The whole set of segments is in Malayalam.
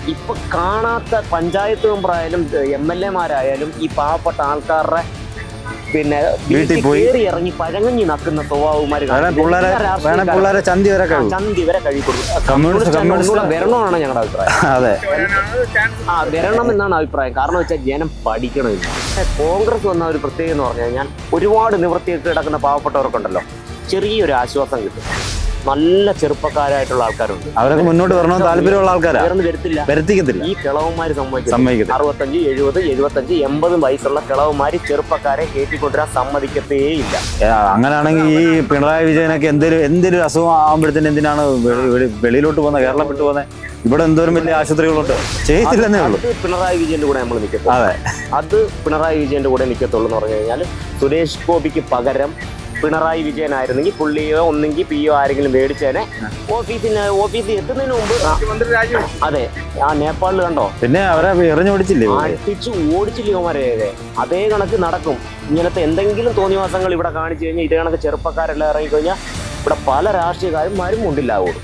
ഇപ്പൊ കാണാത്ത പഞ്ചായത്ത് മെമ്പറായാലും MLA-മാരായാലും ഈ പാവപ്പെട്ട ആൾക്കാരുടെ പിന്നെ വീട്ടിൽ കയറി ഇറങ്ങി പഴങ്ങഞ്ഞി നക്കുന്ന സ്വഭാവമാര് ചന്തി വരെ കഴിക്കൊടുക്കും. വരണമെന്നാണ് ഞങ്ങളുടെ അഭിപ്രായം. അതെ, വരണം എന്നാണ് അഭിപ്രായം. കാരണം വെച്ചാൽ ജനം പഠിക്കണമില്ല. കോൺഗ്രസ് വന്ന ഒരു പ്രത്യേകത എന്ന് പറഞ്ഞു കഴിഞ്ഞാൽ ഒരുപാട് നിവൃത്തിയൊക്കെ കിടക്കുന്ന പാവപ്പെട്ടവർക്കുണ്ടല്ലോ ചെറിയൊരു ആശ്വാസം കിട്ടും. നല്ല ചെറുപ്പക്കാരായിട്ടുള്ള ആൾക്കാരുണ്ട്, അവരൊക്കെ മുന്നോട്ട് വരണമെന്ന് താല്പര്യമുള്ള ആൾക്കാരാണ്. വരുത്തിക്കത്തില്ല. ഈ കിളവന്മാര് സമ്മതിക്കും. 65, 70, 75, 80 വയസ്സുള്ള കിളവന്മാര് ചെറുപ്പക്കാരെ കയറ്റിക്കൊണ്ടുവരാൻ സമ്മതിക്കത്തേയില്ല. അങ്ങനെയാണെങ്കിൽ ഈ പിണറായി വിജയനൊക്കെ എന്തൊരു അസുഖം ആകുമ്പോഴത്തേന് എന്തിനാണ് വെളിയിലോട്ട് പോകുന്നത്, കേരളം വിട്ടു പോകുന്നത്? ഇവിടെ എന്തോരം വലിയ ആശുപത്രികളുണ്ട്, ചെയ്യത്തില്ലെന്നേ ഉള്ളൂ. പിണറായി വിജയന്റെ കൂടെ നമ്മൾ നിൽക്കത്തുള്ളൂ. അതെ, അത് പിണറായി വിജയന്റെ കൂടെ നിൽക്കത്തുള്ളൂ എന്ന് പറഞ്ഞു കഴിഞ്ഞാൽ സുരേഷ് ഗോപിക്ക് പകരം പിണറായി വിജയനായിരുന്നെങ്കിൽ പുള്ളിയോ ഒന്നെങ്കിൽ പിയോ ആരെങ്കിലും മേടിച്ചേനെ. ഓഫീസിൽ എത്തുന്നതിന് മുമ്പ് അതെ, ആ നേപ്പാളിൽ കണ്ടോ, പിന്നെ അവരെ എറിഞ്ഞോടിച്ചില്ലേ, അടിച്ചു ഓടിച്ചില്ലേ അവന്മാരെ. അതേ കണക്ക് നടക്കും. ഇങ്ങനത്തെ എന്തെങ്കിലും തോന്നിവാസങ്ങൾ ഇവിടെ കാണിച്ചു കഴിഞ്ഞാൽ ഇതേ കണക്ക് ചെറുപ്പക്കാരെല്ലാം ഇറങ്ങിക്കഴിഞ്ഞാൽ ഇവിടെ പല രാഷ്ട്രീയക്കാരും മുണ്ടില്ലാവുള്ളൂ.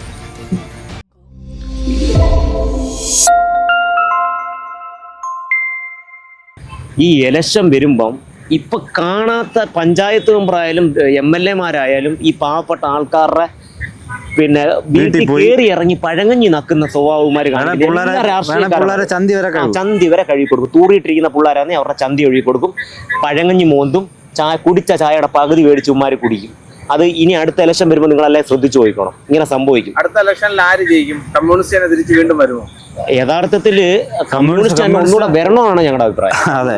ഈ ഇലക്ഷൻ വരുമ്പം ഇപ്പൊ കാണാത്ത പഞ്ചായത്ത് മെമ്പറായാലും MLA-മാരായാലും ഈ പാവപ്പെട്ട ആൾക്കാരുടെ പിന്നെ വീട്ടിൽ കയറി ഇറങ്ങി പഴങ്ങഞ്ഞി നക്കുന്ന സ്വഭാവമാര് ചന്തി വരെ കഴുകി കൊടുക്കും. തൂറിയിട്ടിരിക്കുന്ന പിള്ളേരാണെങ്കിൽ അവരുടെ ചന്തി കഴുകി കൊടുക്കും. പഴങ്ങഞ്ഞി മോന്തും കുടിച്ച ചായയുടെ പകുതി മേടിച്ച് ഉമ്മാര് കുടിക്കും. അത് ഇനി അടുത്ത ഇലക്ഷൻ വരുമ്പോൾ നിങ്ങളെല്ലാം ശ്രദ്ധിച്ചു പോയിക്കണം. ഇങ്ങനെ സംഭവിക്കും. അടുത്ത ഇലക്ഷനിൽ ആര് ജയിക്കും? കമ്മ്യൂണിസ്റ്റ് തിരിച്ച് വീണ്ടും വരുമോ? യഥാർത്ഥത്തില് കമ്മ്യൂണിസ്റ്റ് ഒന്നുകൂടെ വരണമെന്നാണ് ഞങ്ങളുടെ അഭിപ്രായം.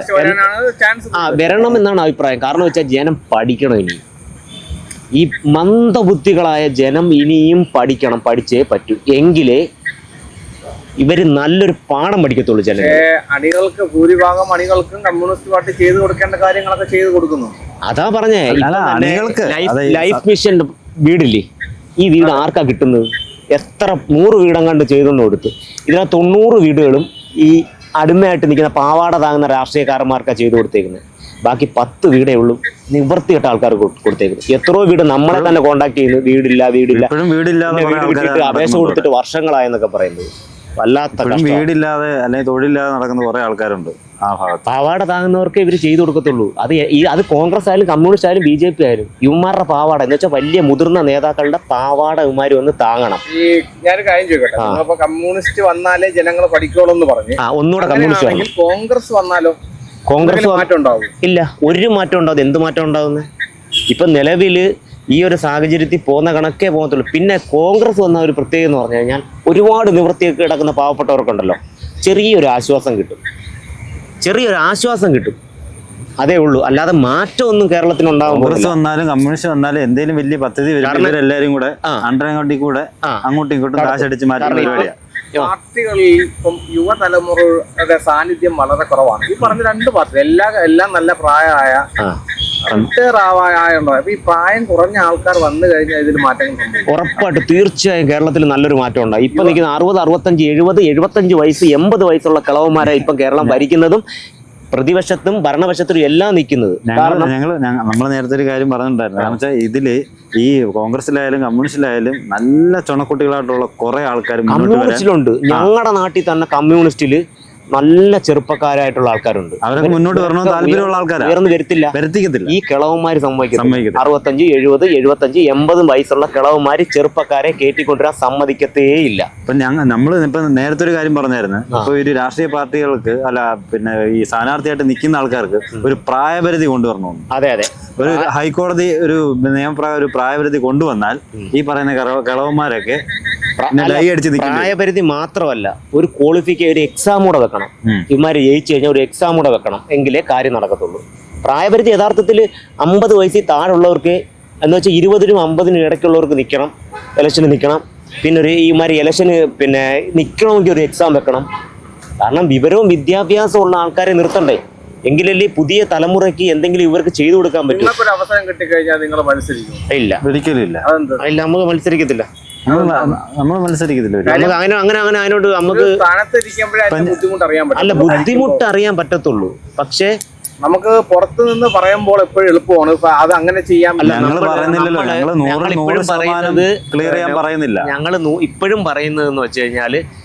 വരണം എന്നാണ് അഭിപ്രായം. കാരണം വെച്ചാൽ ജനം പഠിക്കണം. ഇനി ഈ മന്ദബുദ്ധികളായ ജനം ഇനിയും പഠിക്കണം. പഠിച്ചേ പറ്റൂ. എങ്കിലേ ഇവര് നല്ലൊരു പാഠം പഠിക്കത്തുള്ളൂ. ജനം അണികൾക്ക് ഭൂരിഭാഗം അണികൾക്കും കമ്മ്യൂണിസ്റ്റ് പാർട്ടി ചെയ്തു കൊടുക്കേണ്ട കാര്യങ്ങളൊക്കെ ചെയ്തു കൊടുക്കുന്നു. അതാ പറഞ്ഞേ, ലൈഫ് മിഷന്റെ വീടില്ലേ, ഈ വീട് ആർക്കാ കിട്ടുന്നത്? എത്ര 100 വീടങ്ങാണ്ട് ചെയ്തെന്ന് കൊടുത്ത് ഇതിനകത്ത് 90 വീടുകളും ഈ അടിമയായിട്ട് നിൽക്കുന്ന പാവാട താങ്ങുന്ന രാഷ്ട്രീയക്കാരന്മാർക്കാണ് ചെയ്തു കൊടുത്തേക്കുന്നത്. ബാക്കി 10 വീടേ ഉള്ളൂ നിവർത്തിയിട്ട ആൾക്കാർക്ക് കൊടുത്തേക്കുന്നത്. എത്രയോ വീട് നമ്മളെ തന്നെ കോണ്ടാക്ട് ചെയ്യുന്നു, വീടില്ല അപേക്ഷ കൊടുത്തിട്ട് വർഷങ്ങളായെന്നൊക്കെ പറയുന്നത്. വല്ലാത്ത വീടില്ലാതെ അല്ലെങ്കിൽ തൊഴിലില്ലാതെ നടക്കുന്ന കുറെ ആൾക്കാരുണ്ട്. പാവാട താങ്ങുന്നവർക്ക് ഇവർ ചെയ്തു കൊടുക്കത്തുള്ളൂ. അത് കോൺഗ്രസ് ആയാലും കമ്മ്യൂണിസ്റ്റ് ആയാലും BJP ആയാലും ഇവന്മാരുടെ പാവാട എന്ന് വെച്ചാൽ വലിയ മുതിർന്ന നേതാക്കളുടെ പാവാട ഇവന്മാര് വന്ന് താങ്ങണം. ഈ ഞാനൊരു കാര്യം ചോദിക്കട്ടെ, കമ്മ്യൂണിസ്റ്റ് വന്നാലേ ജനങ്ങൾ പഠിക്കോളൂ എന്ന് പറഞ്ഞു. ഒന്നുകൂടെ കമ്മ്യൂണിസ്റ്റ് കോൺഗ്രസ് വന്നാലോ? കോൺഗ്രസ് മാറ്റം ഉണ്ടാവും? ഇല്ല, ഒരു മാറ്റം ഉണ്ടാവും. എന്ത് മാറ്റം ഉണ്ടാവുന്നത്? ഇപ്പൊ നിലവില് ഈ ഒരു സാഹചര്യത്തിൽ പോകുന്ന കണക്കേ പോകത്തുള്ളൂ. പിന്നെ കോൺഗ്രസ് വന്ന ഒരു പ്രത്യേകത എന്ന് പറഞ്ഞു കഴിഞ്ഞാൽ ഒരുപാട് നിവൃത്തിയൊക്കെ കിടക്കുന്ന പാവപ്പെട്ടവർക്കുണ്ടല്ലോ ചെറിയൊരു ആശ്വാസം കിട്ടും. അതേ ഉള്ളൂ. അല്ലാതെ മാറ്റമൊന്നും കേരളത്തിന് ഉണ്ടാകും. കോൺഗ്രസ് വന്നാലും കമ്മ്യൂണിസ്റ്റ് വന്നാലും എന്തെങ്കിലും വലിയ പദ്ധതി എല്ലാവരും കൂടെ അങ്ങോട്ടും ഇങ്ങോട്ടും കാശടിച്ച് മാറ്റുന്ന പരിപാടിയാണ്. പാർട്ടികളിൽ ഇപ്പം യുവതലമുറയുടെ സാന്നിധ്യം വളരെ കുറവാണ്. ഈ പറഞ്ഞ 2 പാർട്ടി എല്ലാം നല്ല പ്രായമായ ഈ പ്രായം കുറഞ്ഞ ആൾക്കാർ വന്നു കഴിഞ്ഞാൽ ഇതിൽ മാറ്റങ്ങൾ ഉറപ്പായിട്ട് തീർച്ചയായും കേരളത്തിൽ നല്ലൊരു മാറ്റം ഉണ്ടായി. ഇപ്പൊ നിൽക്കുന്ന 60, 65, 70, 75 വയസ്സ് 80 വയസ്സുള്ള കിളവന്മാരെ ഇപ്പം കേരളം ഭരിക്കുന്നതും പ്രതിപക്ഷത്തും ഭരണപക്ഷത്തിലും എല്ലാം നിൽക്കുന്നത്. നമ്മൾ നേരത്തെ ഒരു കാര്യം പറഞ്ഞിട്ടുണ്ടായിരുന്നു. കാരണം വെച്ചാൽ ഇതില് ഈ കോൺഗ്രസിലായാലും കമ്മ്യൂണിസ്റ്റിലായാലും നല്ല ചുണക്കുട്ടികളായിട്ടുള്ള കുറെ ആൾക്കാർ കമ്മ്യൂണിസ്റ്റിലുണ്ട്. ഞങ്ങളുടെ നാട്ടിൽ തന്നെ കമ്മ്യൂണിസ്റ്റില് നല്ല ചെറുപ്പക്കാരായിട്ടുള്ള ആൾക്കാരുണ്ട്. അവരൊക്കെ മുന്നോട്ട് വരണമെന്ന് താല്പര്യമുള്ള ആൾക്കാർ വരുത്തിക്കത്തില്ല. ഈ കിളവന്മാര് സമ്മതിക്കും. 65, 70, 75, 80 വയസ്സുള്ള കിളവന്മാര് ചെറുപ്പക്കാരെ കയറ്റിക്കൊണ്ടുവരാൻ സമ്മതിക്കത്തേയില്ല. ഇപ്പൊ ഇപ്പൊ നേരത്തെ ഒരു കാര്യം പറഞ്ഞായിരുന്നു. ഇപ്പൊ ഒരു രാഷ്ട്രീയ പാർട്ടികൾക്ക് പിന്നെ ഈ സ്ഥാനാർത്ഥിയായിട്ട് നിൽക്കുന്ന ആൾക്കാർക്ക് ഒരു പ്രായപരിധി കൊണ്ടുവരണമെന്ന്. അതെ, ഒരു ഹൈക്കോടതി ഒരു നിയമപ്രകാരം ഒരു പ്രായപരിധി കൊണ്ടുവന്നാൽ ഈ പറയുന്ന കിളവന്മാരൊക്കെ പ്രായപരിധി മാത്രമല്ല, ഒരു ഒരു എക്സാം കൂടെ വെക്കണം. ഇവന്മാര് ജയിച്ചു കഴിഞ്ഞാൽ ഒരു എക്സാം കൂടെ വെക്കണം. എങ്കിലേ കാര്യം നടക്കത്തുള്ളൂ. പ്രായപരിധി യഥാർത്ഥത്തിൽ 50 വയസ്സിൽ താഴെയുള്ളവർക്ക് എന്ന് വെച്ചാൽ 20-നും 50-നും ഇടയ്ക്കുള്ളവർക്ക് ഇലക്ഷന് നിൽക്കണം. പിന്നെ ഇവന്മാര് ഇലക്ഷന് പിന്നെ നിൽക്കണമെങ്കിൽ ഒരു എക്സാം വെക്കണം. കാരണം വിവരവും വിദ്യാഭ്യാസവും ഉള്ള ആൾക്കാരെ നിർത്തണ്ടേ? എങ്കിലല്ലേ പുതിയ തലമുറയ്ക്ക് എന്തെങ്കിലും ഇവർക്ക് ചെയ്തു കൊടുക്കാൻ പറ്റും. അവസരം കിട്ടിക്കഴിഞ്ഞാൽ നിങ്ങൾ മത്സരിക്കും? ഇല്ല, ഒരിക്കലും ഇല്ല. നമുക്ക് മത്സരിക്കത്തില്ല. നമ്മൾ മത്സരിക്കത്തില്ല. അങ്ങനെ അതിനോട് നമുക്ക് അല്ല ബുദ്ധിമുട്ട് അറിയാൻ പറ്റത്തുള്ളൂ. പക്ഷേ നമുക്ക് പുറത്തു നിന്ന് പറയുമ്പോൾ എപ്പോഴും എളുപ്പമാണ്. അത് അങ്ങനെ ചെയ്യാൻ ഞങ്ങൾ ഇപ്പോഴും പറയുന്നത് എന്ന് വെച്ച് കഴിഞ്ഞാല്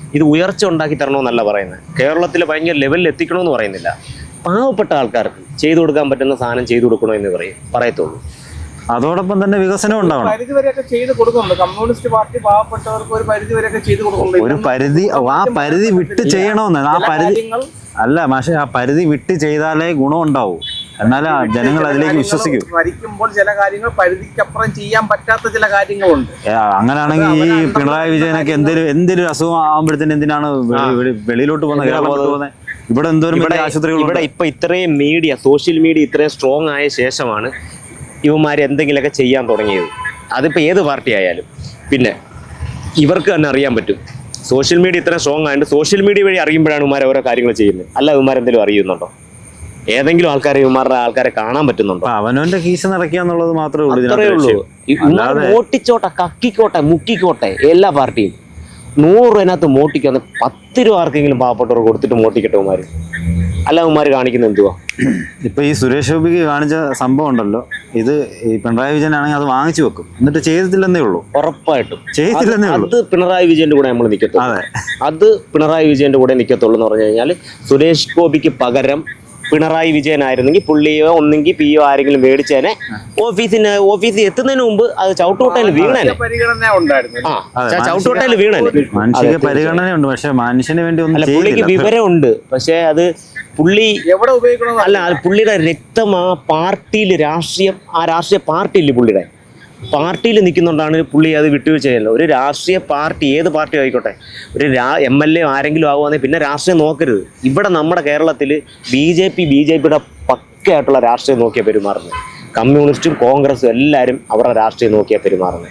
ഇത് ഉയർച്ച ഉണ്ടാക്കി തരണമെന്നല്ല പറയുന്നത്. കേരളത്തിൽ ഭയങ്കര ലെവലിൽ എത്തിക്കണമെന്ന് പറയുന്നില്ല. പാവപ്പെട്ട ആൾക്കാർക്ക് ചെയ്തു കൊടുക്കാൻ പറ്റുന്ന സാധനം ചെയ്തു കൊടുക്കണമെന്ന് പറയത്തുള്ളൂ. അതോടൊപ്പം തന്നെ വികസനം ഉണ്ടാവണം. പരിധി വരെയൊക്കെ ചെയ്ത് കൊടുക്കുന്നുണ്ട്. കമ്മ്യൂണിസ്റ്റ് പാർട്ടി പാവപ്പെട്ടവർക്ക് ഒരു പരിധി വരെയൊക്കെ ചെയ്ത് കൊടുക്കുന്നുണ്ട്. ഒരു പരിധി, ആ പരിധി വിട്ട് ചെയ്യണമെന്ന്. ആ പരിധി അല്ല പക്ഷേ ആ പരിധി വിട്ട് ചെയ്താലേ ഗുണം ഉണ്ടാവൂ, എന്നാലേ ജനങ്ങൾ അതിലേക്ക് വിശ്വസിക്കൂ. ഭരിക്കുമ്പോൾ ചില കാര്യങ്ങൾ പരിധിക്കപ്പുറം ചെയ്യാൻ പറ്റാത്ത ചില കാര്യങ്ങളുണ്ട്. അങ്ങനെയാണെങ്കിൽ ഈ പിണറായി വിജയനൊക്കെ എന്തൊരു അസുഖം ആകുമ്പോഴത്തേന് എന്തിനാണ് വെളിയിലോട്ട് പോകുന്നത്, കേരളത്തിൽ പോകുന്നത്? ഇവിടെ എന്തോരം ആശുപത്രികൾ. ഇവിടെ ഇപ്പൊ ഇത്രയും മീഡിയ, സോഷ്യൽ മീഡിയ ഇത്രയും സ്ട്രോങ് ആയ ശേഷമാണ് ഇവന്മാർ എന്തെങ്കിലുമൊക്കെ ചെയ്യാൻ തുടങ്ങിയത്. അതിപ്പോൾ ഏത് പാർട്ടി ആയാലും. പിന്നെ ഇവർക്ക് തന്നെ അറിയാൻ പറ്റും, സോഷ്യൽ മീഡിയ ഇത്രയും സ്ട്രോങ് ആയതുകൊണ്ട് സോഷ്യൽ മീഡിയ വഴി അറിയുമ്പോഴാണ് ഇവന്മാർ ഓരോ കാര്യങ്ങൾ ചെയ്യുന്നത്. അല്ല ഇവന്മാരെന്തെങ്കിലും അറിയുന്നുണ്ടോ? ഏതെങ്കിലും ഇവന്മാരുടെ ആൾക്കാരെ കാണാൻ പറ്റുന്നുണ്ടോ? അവനവന്റെ കീശ നിറയ്ക്കുക എന്നുള്ളത് മാത്രമേ അത്രേ ഉള്ളൂ. മോട്ടിച്ചോട്ടെ, കക്കിക്കോട്ടെ, മുക്കിക്കോട്ടെ, എല്ലാ പാർട്ടിയും 100 രൂപ മോട്ടിക്കാന്ന് 10 രൂപ ആർക്കെങ്കിലും പാവപ്പെട്ടവർ കൊടുത്തിട്ട് മോട്ടിക്കട്ടെ ഇവന്മാർ. അല്ല ഇവന്മാർ കാണിക്കുന്നത് എന്തുവാ? ഇപ്പൊ ഈ സുരേഷ് ഗോപിക്ക് കാണിച്ച സംഭവം ഉണ്ടല്ലോ, ഇത് ഈ പിണറായി വിജയൻ ആണെങ്കിൽ അത് വാങ്ങിച്ചു വെക്കും, എന്നിട്ട് ചെയ്തിട്ടില്ലെന്നേ ഉള്ളൂ. ഉറപ്പായിട്ടും ചെയ്തിട്ടില്ലെന്നേ ഉള്ളൂ. അത് പിണറായി വിജയന്റെ കൂടെ നമ്മൾ നിൽക്കത്തുള്ളൂ. അതെ, അത് പിണറായി വിജയന്റെ കൂടെ നിൽക്കത്തുള്ളൂ എന്ന് പറഞ്ഞു കഴിഞ്ഞാൽ, സുരേഷ് ഗോപിക്ക് പകരം പിണറായി വിജയൻ ആയിരുന്നെങ്കിൽ പുള്ളിയോ ഒന്നെങ്കിൽ പിയോ ആരെങ്കിലും മേടിച്ചേനെ, ഓഫീസിൽ എത്തുന്നതിന് മുമ്പ് അത് ചവിട്ടുകൊട്ടയിൽ വീണേനെ. പരിഗണന ഉണ്ടായിരുന്നു. ചവിട്ടുകൊട്ടയിൽ വീണേനെ. മനുഷ്യക്ക് പരിഗണനയുണ്ട്, പക്ഷെ മനുഷ്യന് വേണ്ടി ഒന്നും പുള്ളിക്ക് വിവരമുണ്ട്. പക്ഷെ അത് പുള്ളി എവിടെ ഉപയോഗിക്കണം അല്ല, അത് പുള്ളിയുടെ രക്തം ആ പാർട്ടിയിൽ, ആ രാഷ്ട്രീയ പാർട്ടിയില്ലേ, പുള്ളിയുടെ പാർട്ടിയിൽ നിൽക്കുന്നുണ്ടാണ് പുള്ളി അത് വിട്ടുവീഴ്ച ചെയ്യുന്നത്. ഒരു രാഷ്ട്രീയ പാർട്ടി, ഏത് പാർട്ടി ആയിക്കോട്ടെ, ഒരു MLA ആരെങ്കിലും ആകുവാണെങ്കിൽ പിന്നെ രാഷ്ട്രീയം നോക്കരുത്. ഇവിടെ നമ്മുടെ കേരളത്തിൽ BJPയുടെ പക്കയായിട്ടുള്ള രാഷ്ട്രീയം നോക്കിയാൽ പെരുമാറുന്നത്. കമ്മ്യൂണിസ്റ്റും കോൺഗ്രസും എല്ലാവരും അവരുടെ രാഷ്ട്രീയം നോക്കിയാൽ പെരുമാറുന്നത്.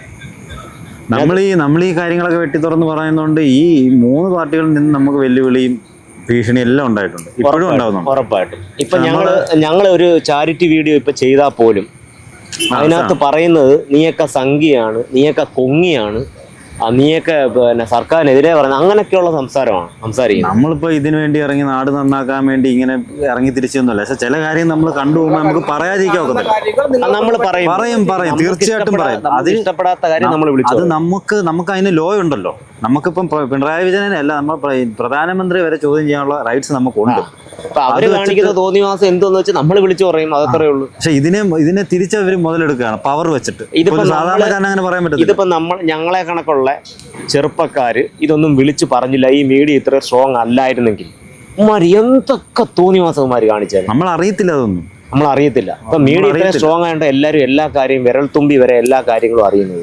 നമ്മൾ ഈ കാര്യങ്ങളൊക്കെ വെട്ടി തുറന്ന് പറയുന്നതുകൊണ്ട് ഈ 3 പാർട്ടികളിൽ നിന്ന് നമുക്ക് വെല്ലുവിളിയും ഭീഷണി എല്ലാം ഉണ്ടായിട്ടുണ്ട്, ഇപ്പോഴും ഉണ്ടാവുന്നുണ്ട്. ഉറപ്പായിട്ടും. ഇപ്പൊ ഞങ്ങള് ഒരു ചാരിറ്റി വീഡിയോ ഇപ്പൊ ചെയ്താൽ പോലും അതിനകത്ത് പറയുന്നത് നീയൊക്കെ സംഘിയാണ്, നീയൊക്കെ കൊങ്ങിയാണ്, നീയൊക്കെ പിന്നെ സർക്കാരിനെതിരെ പറയുന്നത്, അങ്ങനെയൊക്കെയുള്ള സംസാരിക്കുന്നത്. നമ്മളിപ്പോ ഇതിനു വേണ്ടി ഇറങ്ങി നാട് നന്നാക്കാൻ വേണ്ടി ഇങ്ങനെ ഇറങ്ങി തിരിച്ചൊന്നുമല്ല. പക്ഷെ ചില കാര്യം നമ്മൾ കണ്ടുപോകുമ്പോൾ നമുക്ക് പറയാതിരിക്കാൻ ഒക്കത്തില്ല. നമ്മൾ പറയും തീർച്ചയായിട്ടും പറയും. അത് ഇഷ്ടപ്പെടാത്ത കാര്യം നമ്മൾ വിളിച്ചു. അത് നമുക്ക് അതിന് ലോ ഉണ്ടല്ലോ. നമുക്കിപ്പം പിണറായി വിജയനെ അല്ല, നമ്മൾ പ്രധാനമന്ത്രി വരെ ചോദ്യം ചെയ്യാനുള്ള റൈറ്റ്സ് നമുക്കുണ്ട്. അപ്പൊ അവര് കാണിക്കുന്ന തോന്നിവാസം എന്തോന്ന് വെച്ചാൽ നമ്മൾ വിളിച്ചു പറയും, അതത്രേ ഉള്ളൂ. പക്ഷെ ഇതിനെ തിരിച്ചവർ മുതലെടുക്കുകയാണ് പവർ വെച്ചിട്ട്. സാധാരണക്കാരൻ അങ്ങനെ പറയാൻ പറ്റില്ല. ഇതിപ്പോ ഞങ്ങളെ കണക്കുള്ള ചെറുപ്പക്കാര് ഇതൊന്നും വിളിച്ചു പറഞ്ഞില്ല, ഈ മീഡിയ ഇത്ര സ്ട്രോങ് അല്ലായിരുന്നെങ്കിൽ എന്തൊക്കെ തോന്നിവാസന്മാര് കാണിച്ചാൽ നമ്മൾ അറിയത്തില്ല. അതൊന്നും നമ്മൾ അറിയത്തില്ല. ഇപ്പൊ മീഡിയ ഇത്ര സ്ട്രോങ് ആയതുകൊണ്ട് എല്ലാവരും എല്ലാ കാര്യം വിരൽ തുമ്പി വരെ എല്ലാ കാര്യങ്ങളും അറിയുന്നത്.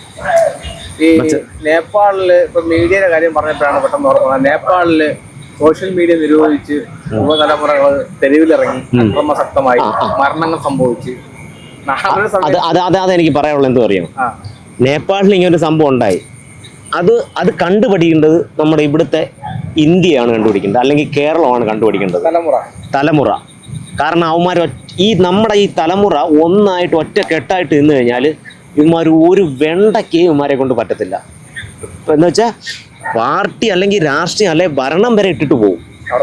ഈ നേപ്പാളില് ഇപ്പൊ മീഡിയയുടെ കാര്യം പറഞ്ഞപ്പോഴാണ് പെട്ടെന്ന് ഓർക്കുന്നത്. നേപ്പാളില് സോഷ്യൽ മീഡിയ നിരോധിച്ച് യുവതലമുറകൾ തെരുവിലിറങ്ങി അക്രമസക്തമായി മരണങ്ങൾ സംഭവിച്ച്. അതെനിക്ക് പറയാനുള്ളത് എന്തോ അറിയാം. നേപ്പാളിൽ ഇങ്ങനെ ഒരു സംഭവം ഉണ്ടായി. അത് കണ്ടുപിടിക്കേണ്ടത് നമ്മുടെ ഇവിടുത്തെ ഇന്ത്യയാണ് കണ്ടുപിടിക്കേണ്ടത്, അല്ലെങ്കിൽ കേരളമാണ് കണ്ടുപിടിക്കേണ്ടത്. തലമുറ. കാരണം അവന്മാർ നമ്മുടെ ഈ തലമുറ ഒന്നായിട്ട് ഒറ്റ കെട്ടായിട്ട് നിന്ന് കഴിഞ്ഞാൽ ഇവന്മാർ ഒരു വെണ്ടയ്ക്ക് ഇവന്മാരെ കൊണ്ട് പറ്റത്തില്ല. എന്ന് വെച്ചാൽ പാർട്ടി അല്ലെങ്കിൽ രാഷ്ട്രീയം അല്ലെങ്കിൽ ഭരണം വരെ ഇട്ടിട്ട് പോകും.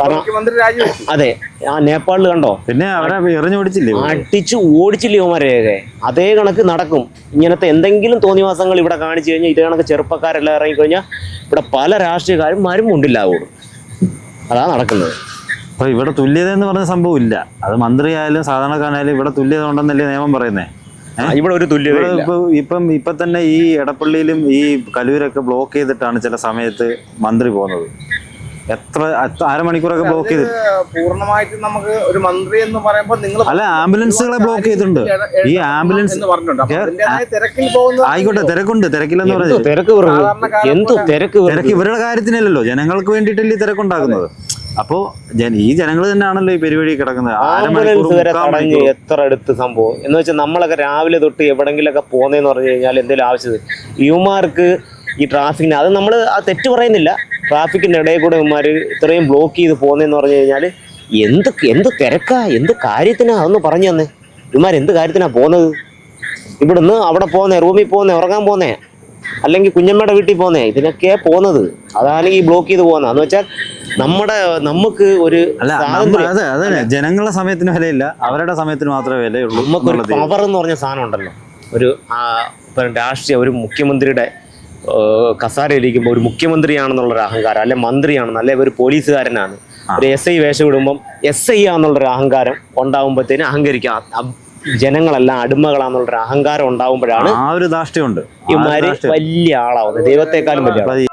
അതെ, ആ നേപ്പാളിൽ കണ്ടോ, പിന്നെ അവരെ അടിച്ചു ഓടിച്ചില്ലേ ഇവന്മാരെയൊക്കെ. അതേ കണക്ക് നടക്കും. ഇങ്ങനത്തെ എന്തെങ്കിലും തോന്നിവാസങ്ങൾ ഇവിടെ കാണിച്ചു കഴിഞ്ഞാൽ ഇതേ കണക്ക് ചെറുപ്പക്കാരെല്ലാം ഇറങ്ങിക്കഴിഞ്ഞാൽ ഇവിടെ പല രാഷ്ട്രീയക്കാരും മുണ്ടില്ലാവുള്ളൂ. അതാ നടക്കുന്നത്. അപ്പൊ ഇവിടെ തുല്യത എന്ന് പറഞ്ഞ സംഭവം ഇല്ല. അത് മന്ത്രിയായാലും സാധാരണക്കാരനായാലും ഇവിടെ തുല്യത ഉണ്ടെന്നല്ലേ നിയമം പറയുന്നേ. ഇവിടെ ഒരു തുല്യത ഇപ്പൊ തന്നെ ഈ എടപ്പള്ളിയിലും ഈ കലൂരൊക്കെ ബ്ലോക്ക് ചെയ്തിട്ടാണ് ചില സമയത്ത് മന്ത്രി പോകുന്നത്. അരമണിക്കൂറൊക്കെ ബ്ലോക്ക് ചെയ്ത് പൂർണ്ണമായിട്ടും നമുക്ക് ഒരു മന്ത്രി എന്ന് പറയുമ്പോൾ നിങ്ങൾ അല്ല, ആംബുലൻസുകളെ ബ്ലോക്ക് ചെയ്തിട്ടുണ്ട്. ഈ ആംബുലൻസ് ആയിക്കോട്ടെ, തിരക്കില്ലെന്ന് പറഞ്ഞത് തിരക്ക് ഇവരുടെ കാര്യത്തിനല്ലല്ലോ, ജനങ്ങൾക്ക് വേണ്ടിയിട്ടല്ലേ തിരക്കുണ്ടാക്കുന്നത്. അപ്പോ ഈ ജനങ്ങൾ തന്നെയാണല്ലോ ഈ പരിപാടി കിടക്കുന്നത്. എത്ര അടുത്ത് സംഭവം എന്ന് വെച്ചാൽ നമ്മളൊക്കെ രാവിലെ തൊട്ട് എവിടെങ്കിലൊക്കെ പോകുന്നതെന്ന് പറഞ്ഞു കഴിഞ്ഞാൽ എന്തെങ്കിലും ആവശ്യത്തിന് യുവമാർക്ക് ഈ ട്രാഫിക്കിന്, അത് നമ്മൾ ആ തെറ്റ് പറയുന്നില്ല, ട്രാഫിക്കിന്റെ ഇടയിൽ കൂടെ ഇവന്മാർ ഇത്രയും ബ്ലോക്ക് ചെയ്ത് പോകുന്നതെന്ന് പറഞ്ഞു കഴിഞ്ഞാൽ എന്ത് തിരക്കാ, എന്ത് കാര്യത്തിനാ, അതൊന്ന് പറഞ്ഞു തന്നെ. ഇവന്മാർ എന്ത് കാര്യത്തിനാ പോകുന്നത്? ഇവിടുന്ന് അവിടെ പോകുന്നേ, റൂമിൽ പോകുന്നേ, ഉറങ്ങാൻ പോകുന്നേ, അല്ലെങ്കിൽ കുഞ്ഞമ്മയുടെ വീട്ടിൽ പോകുന്നേ, ഇതിനൊക്കെയാ പോകുന്നത്. അതാണ് ഈ ബ്ലോക്ക് ചെയ്ത് പോകുന്നത്. എന്ന് വെച്ചാൽ നമുക്ക് ഒരു ജനങ്ങളുടെ സമയത്തിന് വിലയില്ല, അവരുടെ സമയത്തിന് മാത്രമേ വിലയുള്ളൂ. നമുക്കൊരു പവർ എന്ന് പറഞ്ഞ സാധനം ഉണ്ടല്ലോ, ഒരു രാഷ്ട്രീയ ഒരു മുഖ്യമന്ത്രിയുടെ കസാരയിലിരിക്കുമ്പോൾ ഒരു മുഖ്യമന്ത്രിയാണെന്നുള്ളൊരു അഹങ്കാരം, അല്ലെ മന്ത്രിയാണെന്ന്, അല്ലെ ഒരു പോലീസുകാരനാണ്, ഒരു SI വേഷം ഇടുമ്പം SI ആണെന്നുള്ളൊരു അഹങ്കാരം ഉണ്ടാവുമ്പോഴത്തേന് അഹങ്കരിക്കാം. ജനങ്ങളെല്ലാം അടിമകളാന്നുള്ളൊരു അഹങ്കാരം ഉണ്ടാവുമ്പോഴാണ് ആ ഒരു ധാർഷ്ട്യമുണ്ട്. ഇവന്മാര് വലിയ ആളാവുന്നത്, ദൈവത്തെക്കാളും വലിയ ആളാവുന്നത്.